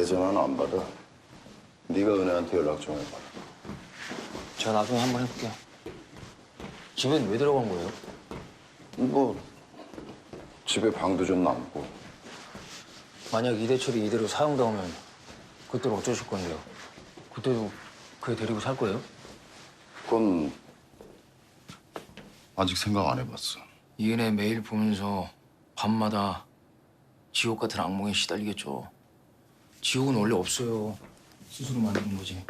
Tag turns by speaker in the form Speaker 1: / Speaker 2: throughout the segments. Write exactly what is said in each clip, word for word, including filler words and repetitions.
Speaker 1: 내 전화는 안 받아. 네가 은혜한테 연락 좀 해봐.
Speaker 2: 제가 나중에 한번 해볼게요. 집엔 왜 들어간 거예요?
Speaker 1: 뭐 집에 방도 좀 남고.
Speaker 2: 만약 이대철이 이대로 사형당하면 그때는 어쩌실 건데요? 그때도 그애 데리고 살 거예요?
Speaker 1: 그건 아직 생각 안 해봤어.
Speaker 2: 이은혜 매일 보면서 밤마다 지옥 같은 악몽에 시달리겠죠. 지옥은 원래 없어요. 스스로 만드는 거지.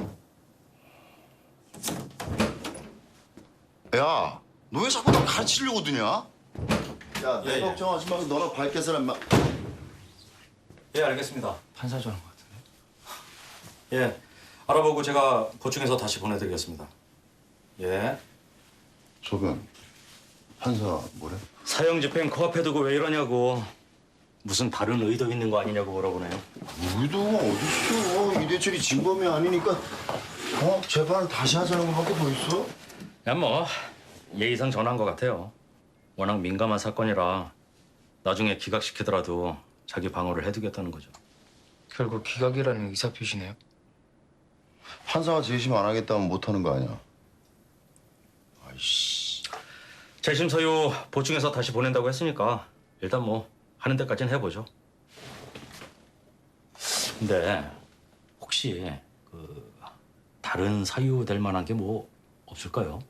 Speaker 1: 야, 너 왜 자꾸 나 가르치려고 드냐? 야, 내
Speaker 3: 예, 예.
Speaker 1: 걱정하지 말고 너나 밝게 살아, 인마.
Speaker 3: 예, 알겠습니다.
Speaker 2: 판사 전화 같은데.
Speaker 3: 예, 알아보고 제가 보충해서 다시 보내드리겠습니다. 예.
Speaker 1: 소변, 판사 뭐래?
Speaker 3: 사형 집행 코앞에 두고 왜 이러냐고. 무슨 다른 의도 있는 거 아니냐고 물어보네요.
Speaker 1: 의도가 어딨어. 이대철이 진범이 아니니까 어? 재판을 다시 하자는 것밖에 더 있어?
Speaker 3: 그냥 뭐 예의상 전화한 것 같아요. 워낙 민감한 사건이라 나중에 기각시키더라도 자기 방어를 해두겠다는 거죠.
Speaker 2: 결국 기각이라는 의사표시네요.
Speaker 1: 판사가 재심 안 하겠다면 못하는 거 아니야? 아이씨.
Speaker 3: 재심 서유 보충해서 다시 보낸다고 했으니까 일단 뭐 하는 데까지는 해보죠. 근데 혹시 그 다른 사유 될 만한 게 뭐 없을까요?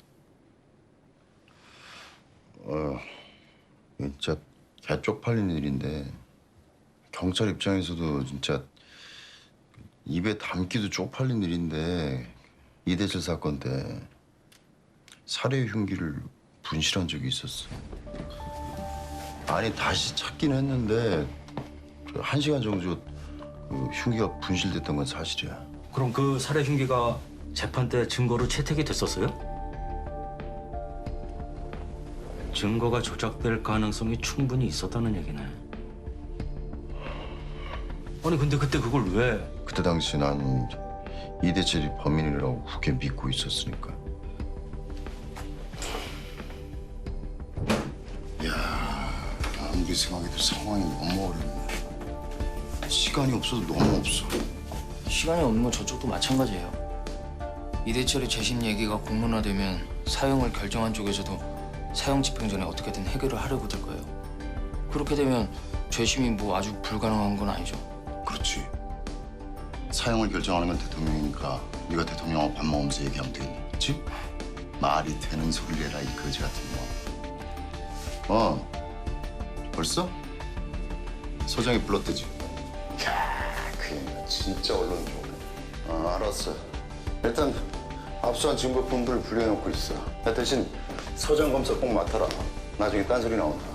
Speaker 1: 어, 진짜 개 쪽팔린 일인데 경찰 입장에서도 진짜 입에 담기도 쪽팔린 일인데 이대철 사건 때 살해 흉기를 분실한 적이 있었어. 아니 다시 찾긴 했는데 한 시간 정도 그 흉기가 분실됐던 건 사실이야.
Speaker 3: 그럼 그 살해 흉기가 재판 때 증거로 채택이 됐었어요? 증거가 조작될 가능성이 충분히 있었다는 얘기네. 아니 근데 그때 그걸 왜?
Speaker 1: 그때 당시 난 이대철이 범인이라고 굳게 믿고 있었으니까. 야, 아무리 생각해도 상황이 너무 어렵네. 시간이 없어도 너무 없어.
Speaker 2: 시간이 없는 건 저쪽도 마찬가지예요. 이대철의 재심 얘기가 공론화되면 사형을 결정한 쪽에서도 사형 집행 전에 어떻게든 해결을 하려고 들 거예요. 그렇게 되면 재심이 뭐 아주 불가능한 건 아니죠.
Speaker 1: 그렇지. 사형을 결정하는 건 대통령이니까 네가 대통령하고 밥 먹으면서 얘기하면 되겠네. 그렇지? 말이 되는 소리를 해라, 이 거지 같은 거. 어, 벌써? 소장이 불렀대지. 야, 그 얘가 진짜 언론 좋네. 어, 알았어. 일단 압수한 증거품들을 분리해놓고 있어. 나 대신 서장 검사 꼭 맡아라. 나중에 딴소리 나온다.